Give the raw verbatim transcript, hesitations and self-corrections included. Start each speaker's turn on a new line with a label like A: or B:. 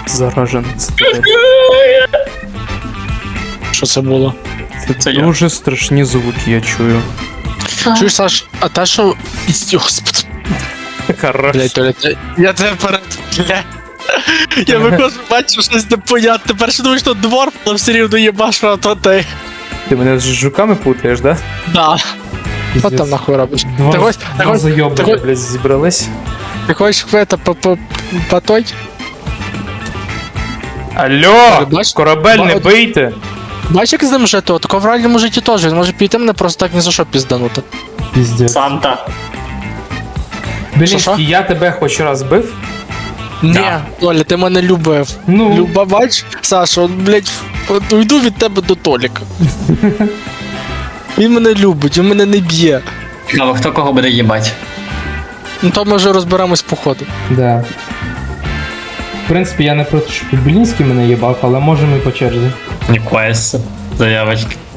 A: Зараженець.
B: Що це було?
C: Це я.
A: Дуже страшні звуки я чую.
B: Чуєш, Саш, а та що... Господи,
A: Хорош.
B: блядь, Толя, ти- я тебе перед... Бля. Я виходжу, бачу щось непонятне. Перше думаю, що двор, але все рівно їбаш, а то ти.
A: Ти мене з жуками путаєш, да?
B: Да. Що там нахуй робиш?
A: Два,
B: Ти хочеш, ти
A: два
B: хочеш,
A: зайобники,
B: ти хочеш-
A: блядь, зібрались.
B: ти хочеш это, по, по, по той?
A: Алло!
B: Бач-
A: Корабель не
B: ба-
A: бийте!
B: Бачиш, як з ним жити? Тако в реальному житті теж, він може піти мене просто так ні за що пізданути.
A: Піздець.
C: Санта.
B: Що-що?
A: Белінський, я тебе хоч раз бив?
B: Ні,
C: Да.
B: Толя, ти мене любив.
A: Ну.
B: Люба, бач, Саша, от, блядь, от уйду від тебе до Толіка. Він мене любить, він мене не б'є.
C: Цікаво, хто кого буде їбать?
B: Ну то ми вже розберемось по ходу.
A: Да. В принципі, я не проти, щоб Белінський мене їбав, але можемо і по черзі.
C: Ніколи. Заявочки.